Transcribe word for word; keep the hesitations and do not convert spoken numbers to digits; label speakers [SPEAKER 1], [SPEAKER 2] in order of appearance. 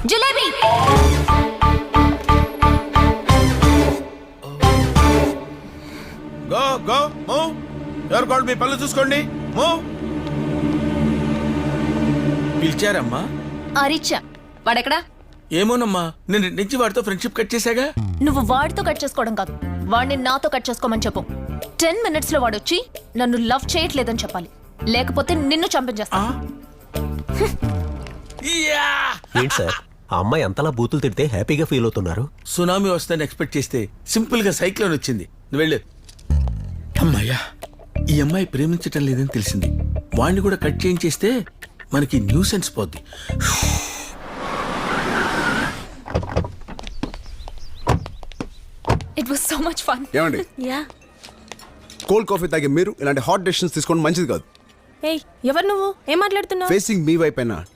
[SPEAKER 1] Jalebi.
[SPEAKER 2] Go go move. ఎవరు కాళ్ళు మీ పళ్ళు చూసుకోండి. మూవ్. పిలిచారమ్మా?
[SPEAKER 1] అరిచా. వాడెక్కడా?
[SPEAKER 2] ఏమోనమ్మా, నేను నుంచి వాడితో ఫ్రెండ్షిప్ కట్ చేశాగా.
[SPEAKER 1] నువ్వు వాడితో కట్ చేసుకోవడం కాదు, వాడిని నాతో కట్ చేసుకోమని చెప్పు. టెన్ మినిట్స్ లో వాడు వచ్చి నన్ను లవ్ చేయట్లేదని చెప్పాలి, లేకపోతే నిన్ను చంపించేస్తా.
[SPEAKER 3] ఏంటి సార్ ఆ అమ్మాయి అంతలా బూతులు తిడితే హ్యాపీగా ఫీల్ అవుతున్నారు?
[SPEAKER 2] సునామీ వస్తుందని ఎక్స్పెక్ట్ చేస్తే సింపుల్ గా సైక్లోన్ వచ్చింది. నువ్వు వెళ్ళు. అమ్మాయ్యా, ఈ అమ్మాయి ప్రేమించటం లేదని తెలిసింది. వాణ్ణి కూడా కట్ చేయించేస్తే మనకి న్యూసెన్స్ పోద్ది.
[SPEAKER 1] It was so much fun.
[SPEAKER 4] ఏమండి,
[SPEAKER 1] యా.
[SPEAKER 4] కోల్డ్ కాఫీ తాగే మీరు ఇలాంటి హాట్ డెసిషన్స్ తీసుకోవడం మంచిది కాదు.
[SPEAKER 5] ఏయ్, ఎవరు నువ్వు? ఏం మాట్లాడుతున్నావు?
[SPEAKER 4] ఫేసింగ్ మీ వైపు అయినా